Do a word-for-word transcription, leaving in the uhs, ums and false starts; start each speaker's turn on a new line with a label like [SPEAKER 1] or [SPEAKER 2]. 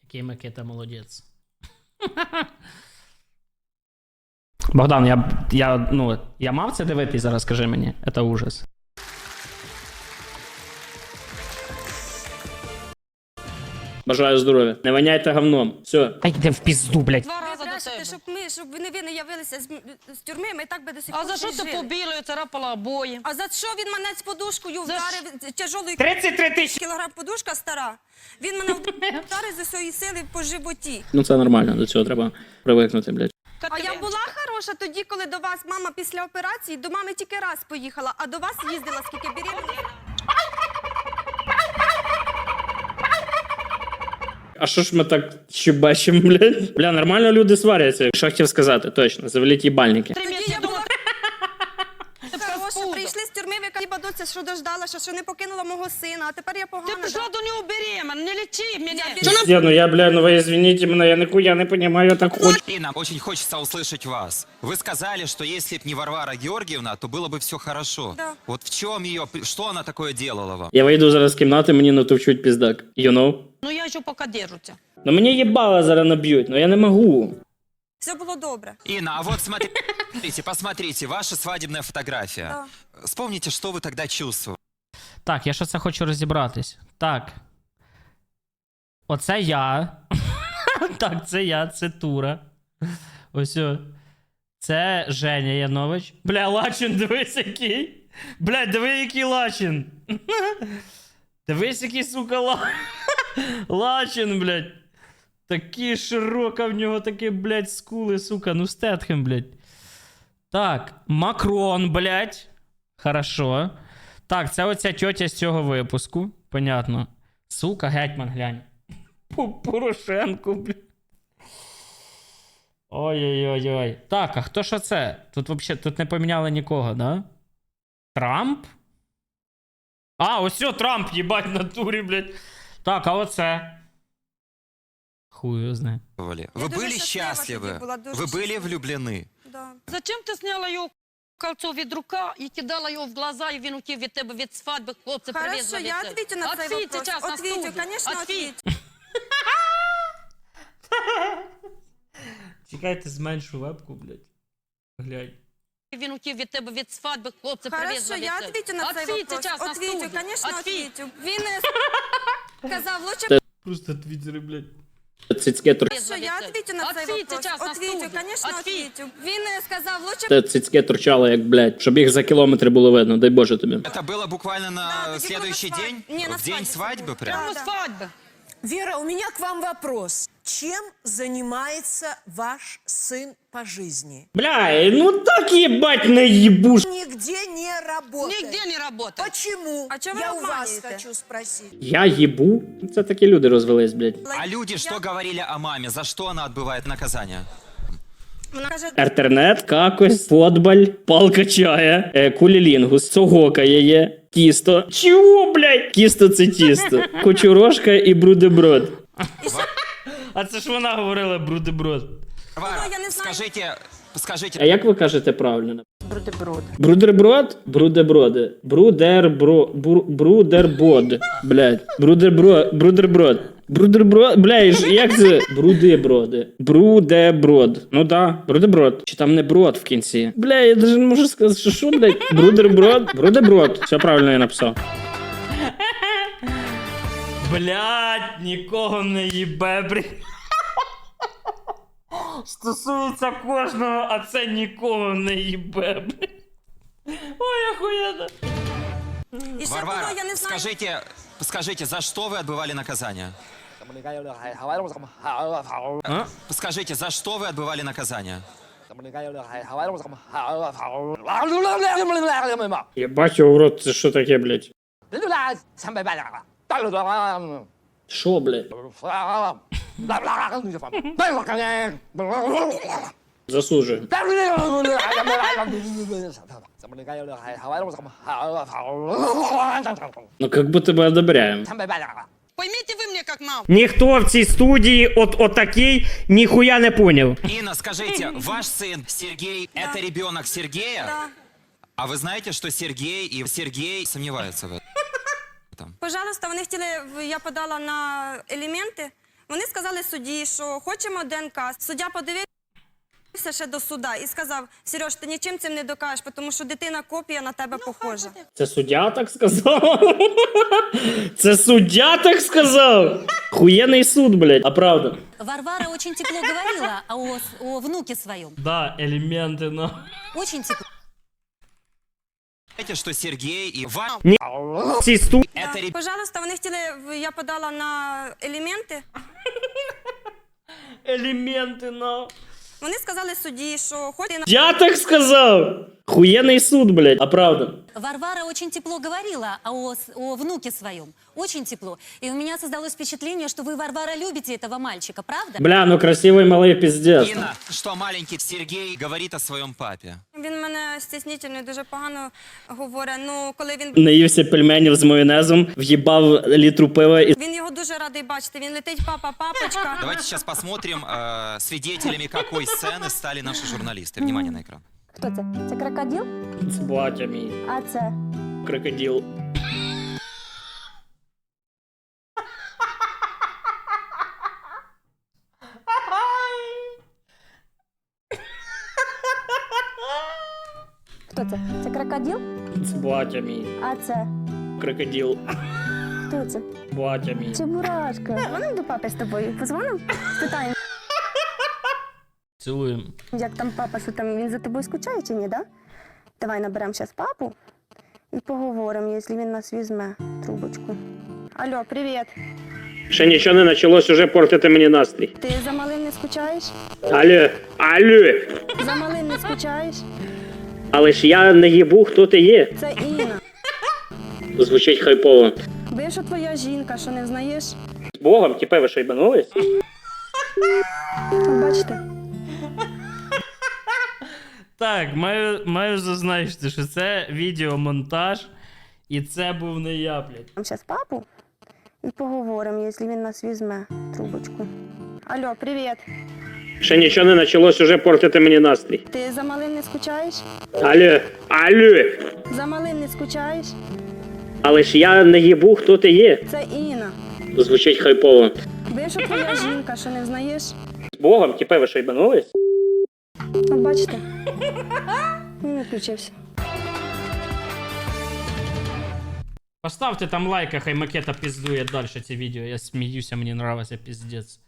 [SPEAKER 1] Який Микита молодець. Богдан, я, я, ну, я мав це дивитись зараз, скажи мені. Це ужас. Бажаю здоров'я. Не воняйте говном. Все. Та йди в пізду, блядь.
[SPEAKER 2] Два рази до
[SPEAKER 3] Брешете,
[SPEAKER 2] тебе.
[SPEAKER 3] щоб ми, щоб вони ви не явилися з, з тюрми, ми так би до сих пор
[SPEAKER 2] А за що ти
[SPEAKER 3] жили.
[SPEAKER 2] побілою царапала обої?
[SPEAKER 3] А за що він мене з подушкою
[SPEAKER 2] За
[SPEAKER 3] вдарив тяжолою
[SPEAKER 1] тридцять три тисячі.
[SPEAKER 3] кілограм подушка стара? Він мене вдарив з усієї сили по животі.
[SPEAKER 1] Ну це нормально, до цього треба привикнути, блядь.
[SPEAKER 3] А я була хороша тоді, коли до вас мама після операції, до мами тільки раз поїхала, а до вас їздила скільки беременна.
[SPEAKER 1] А що ж ми так ще бачимо, блядь? Бля, нормально люди сваряться. Що хотів сказати, точно, завеліть їбальники.
[SPEAKER 3] Тоді я була хороша, прийшли з тюрми, ви хіба доця, що дождалася, що не покинула мого сина, а тепер я
[SPEAKER 2] Ти
[SPEAKER 3] погана.
[SPEAKER 2] пішла
[SPEAKER 3] да?
[SPEAKER 2] до нього беременна, не лічи мене.
[SPEAKER 1] Я, ну я, бля, ну вы извините меня, я нихуя не понимаю, я так хочу.
[SPEAKER 4] И нам очень хочется услышать вас. Вы сказали, что если б не Варвара Георгиевна, то было бы все хорошо.
[SPEAKER 3] Да.
[SPEAKER 4] Вот в чем ее, что она такое делала вам?
[SPEAKER 1] Я вийду зараз з кімнати, мені натовчуть піздак. You know?
[SPEAKER 2] Ну я ще поки держуся.
[SPEAKER 1] Ну мені їбало зараз наб'ють, но я не можу.
[SPEAKER 3] Все було добре.
[SPEAKER 4] Инна, а вот смотрите, посмотрите, ваша свадебная фотография.
[SPEAKER 3] Да.
[SPEAKER 4] Вспомните, что вы тогда чувствовали.
[SPEAKER 1] Так, я ще це хочу розібратись. Так. Оце я. Так, це я, це Тура. Ось о. Це Женя Янович. Бля, Лачин, дивись який. Бля, диви який Лачин. Дивись який, сука, ла... Лачин, блядь. Такі широка в нього, такі, блядь, скули, сука. Ну, Стетхем, блядь. Так, Макрон, блядь. Хорошо. Так, це оця тьотя з цього випуску. Понятно. Сука, гетьман, глянь. Порошенко, блядь. Ой-ой-ой-ой. Так, а хто ж це? Тут взагалі тут не поміняли нікого, да? Трамп? А, ось о, Трамп, їбать, в натурі, блядь. Так, а оце? Хуй його знає.
[SPEAKER 4] Вы
[SPEAKER 3] Я дуже
[SPEAKER 4] были
[SPEAKER 3] щаслива
[SPEAKER 4] счастливы,
[SPEAKER 3] тоді була, дуже
[SPEAKER 4] вы были
[SPEAKER 3] щаслива.
[SPEAKER 4] влюблены.
[SPEAKER 3] Да.
[SPEAKER 2] Зачем ти зняла його кольцо від рука і кидала його в глаза, і він утів від тебе від свадьби, хлопці привезли
[SPEAKER 3] Хорошо,
[SPEAKER 2] від
[SPEAKER 3] я
[SPEAKER 2] тебе?
[SPEAKER 3] отвечу на цей
[SPEAKER 2] Ответь
[SPEAKER 3] вопрос.
[SPEAKER 2] сейчас на
[SPEAKER 3] Отвечу,
[SPEAKER 2] студию.
[SPEAKER 3] конечно,
[SPEAKER 2] Ответь.
[SPEAKER 3] отвечу.
[SPEAKER 1] Чекайте, зменшу вебку, блядь. Глянь.
[SPEAKER 2] Він утів від тебе від свадьби, хлопці
[SPEAKER 3] Хорошо,
[SPEAKER 2] привезли від
[SPEAKER 3] я
[SPEAKER 2] тебе.
[SPEAKER 3] отвечу на цей
[SPEAKER 2] Ответь
[SPEAKER 3] вопрос.
[SPEAKER 2] сейчас на
[SPEAKER 3] Отвечу,
[SPEAKER 2] студию.
[SPEAKER 3] конечно,
[SPEAKER 2] Ответь.
[SPEAKER 3] отвечу. Він е, сказав, лучше...
[SPEAKER 1] Просто твіттери, блядь. Цицьке тур...
[SPEAKER 3] Хорошо, я отвечу на цей
[SPEAKER 2] Ответь
[SPEAKER 3] вопрос.
[SPEAKER 2] сейчас на
[SPEAKER 3] Отвечу,
[SPEAKER 2] студию.
[SPEAKER 3] конечно,
[SPEAKER 2] Ответь.
[SPEAKER 3] отвечу. Він е, сказав, лучше...
[SPEAKER 1] Те цицьке торчало, як, блядь, щоб їх за кілометри було видно, дай Боже тобі.
[SPEAKER 4] Это было буквально на
[SPEAKER 3] Да, тоді
[SPEAKER 4] следующий
[SPEAKER 3] було на
[SPEAKER 4] день?
[SPEAKER 3] свадьбі. Не, на
[SPEAKER 4] В день
[SPEAKER 3] свадьбі
[SPEAKER 4] свадьбы
[SPEAKER 3] це
[SPEAKER 4] прям?
[SPEAKER 3] було.
[SPEAKER 2] Ну,
[SPEAKER 3] Да.
[SPEAKER 2] свадьба.
[SPEAKER 5] Вера, у меня к вам вопрос. Чем занимается ваш сын по жизни?
[SPEAKER 1] Бля, ну так їбать не їбуш.
[SPEAKER 5] Нигде не работает.
[SPEAKER 2] Нигде не работает.
[SPEAKER 5] Почему?
[SPEAKER 3] А чё вы
[SPEAKER 5] Я у вас
[SPEAKER 3] обманываете?
[SPEAKER 5] хочу спросить.
[SPEAKER 1] Я їбу? Це такі люди розвелись, блядь.
[SPEAKER 4] А люди что говорили о маме? За что она отбывает наказание?
[SPEAKER 3] Вона каже,
[SPEAKER 1] Інтернет, какось, футболь, палка чая, е, кулілінгус, цогокає є, тісто. Чого, блядь? Тісто це тісто. Кочурошка і брудеброд. А це ж вона говорила брудеброд.
[SPEAKER 4] Варвара,
[SPEAKER 3] я не знаю.
[SPEAKER 4] скажите,
[SPEAKER 1] А
[SPEAKER 4] скажите,
[SPEAKER 1] як ви кажете правильно? Брудеброд. Брудерброд? Брудеброди. Брудербро... Бру... Брудербод. Блядь. Брудербро... Брудерброд. Брудерброд... Бля, ж- як це? Брудеброди. Брудеброд. Ну да, брудеброд. Чи там не брод в кінці? Бля, я даже не можу сказати, що що, блядь? Брудерброд. Брудеброд. Все правильно я написав. Блядь, нікого не їбе, блядь. Стосується кожного, а це нікого не їбе, блядь. Ой, охуєнно.
[SPEAKER 3] і ще
[SPEAKER 4] Варвара,
[SPEAKER 3] було, я не знаю.
[SPEAKER 4] скажите, скажите, за что вы отбывали наказание?
[SPEAKER 1] А?
[SPEAKER 4] Скажите, за что вы отбывали наказание?
[SPEAKER 1] Я бачу в рот, це що таке, блядь? Що, блядь? Засуджую. Ну, как будто бы одобряем.
[SPEAKER 2] Поймите вы мне как маму.
[SPEAKER 1] Ніхто в цій студії от отакий ніхуя не поняв.
[SPEAKER 4] Инна, скажите, ваш сын Сергей, это ребенок Сергея?
[SPEAKER 3] Да.
[SPEAKER 4] А вы знаете, что Сергей и Сергей сомневаются в этом?
[SPEAKER 3] Пожалуйста, вони хотіли, в- я подала на елементи, Вони сказали судді, що хочемо ДНК. Суддя подивився ще до суда і сказав: Сереж, ти нічим цим не докажеш, тому що дитина копія на тебе похожа.
[SPEAKER 1] Це суддя так сказав? Це суддя так сказав? Хуєний суд, блядь, а правда.
[SPEAKER 6] Варвара очень тепло говорила о, с- о внуке своем.
[SPEAKER 1] Да, елементи, ну.
[SPEAKER 6] Очень тепло.
[SPEAKER 4] Знаете, что Сергей и Ваня
[SPEAKER 1] Ці сту...
[SPEAKER 4] это ребята.
[SPEAKER 3] Пожалуйста, вони хотіли, в- я подала на елементи.
[SPEAKER 1] Елементи, ну.
[SPEAKER 3] Вони сказали судді, що хоче
[SPEAKER 1] Я так сказав? Хуєний суд, блядь, а правда.
[SPEAKER 6] Варвара очень тепло говорила о, с- о внуке своем. Очень тепло. И у меня создалось впечатление, что вы, Варвара, любите этого мальчика, правда?
[SPEAKER 1] Бля, ну красивий малий піздець.
[SPEAKER 4] Инна, что маленький Сергей говорит о своем папе.
[SPEAKER 3] Він мене стіснительно і дуже погано говорить. Ну, коли він
[SPEAKER 1] Наївся пельменів з майонезом, в'їбав літру пива і...
[SPEAKER 3] він його дуже радий бачити. Він летить, папа, папочка.
[SPEAKER 4] Давайте сейчас посмотрим, э, свидетелями какой сцены стали наши журналисты. Внимание на экран.
[SPEAKER 7] Хто це? Це крокодил?
[SPEAKER 1] Це батя мій.
[SPEAKER 7] А це?
[SPEAKER 1] Крокодил.
[SPEAKER 7] Хто це? Це крокодил?
[SPEAKER 1] Це батя мій.
[SPEAKER 7] А це?
[SPEAKER 1] Крокодил.
[SPEAKER 7] Хто це?
[SPEAKER 1] Батя мій.
[SPEAKER 7] Чебурашка. Дзвоним до папи з тобою? Позвоним? Спитаємо,
[SPEAKER 1] Цілуємо.
[SPEAKER 7] як там папа, що там, він за тобою скучає чи ні, да? Давай наберемо зараз папу і поговоримо, якщо він нас візьме трубочку. Алло, привіт.
[SPEAKER 1] Ще нічого не почалось, уже портити мені настрій.
[SPEAKER 7] Ти за малим не скучаєш?
[SPEAKER 1] Алло, алло.
[SPEAKER 7] За малим не скучаєш?
[SPEAKER 1] Але ж я не їбу, хто ти є.
[SPEAKER 7] Це Інна.
[SPEAKER 1] Звучить хайпово.
[SPEAKER 7] Бивша твоя жінка, що не знаєш?
[SPEAKER 1] З Богом, тіпе, ви що, їбанулись?
[SPEAKER 7] От бачите?
[SPEAKER 1] Так, маю, маю зазначити, що це відеомонтаж, і це був не я, блядь.
[SPEAKER 7] Зараз папу і поговоримо, якщо він нас візьме трубочку. Алло, привіт.
[SPEAKER 1] Ще нічого не почалось, уже портити мені настрій.
[SPEAKER 7] Ти за малим не скучаєш?
[SPEAKER 1] Алло, алло.
[SPEAKER 7] За малим не скучаєш?
[SPEAKER 1] Але ж я не їбу, хто ти є.
[SPEAKER 7] Це Інна.
[SPEAKER 1] Звучить хайпово.
[SPEAKER 7] Бивша твоя жінка, що не знаєш?
[SPEAKER 1] З Богом, тіпе, ви що, їбанулись?
[SPEAKER 7] От бачите? Він не включився.
[SPEAKER 1] Поставте там лайк, а хай макета піздує далі це відео. Я сміюся, мені нравиться піздець.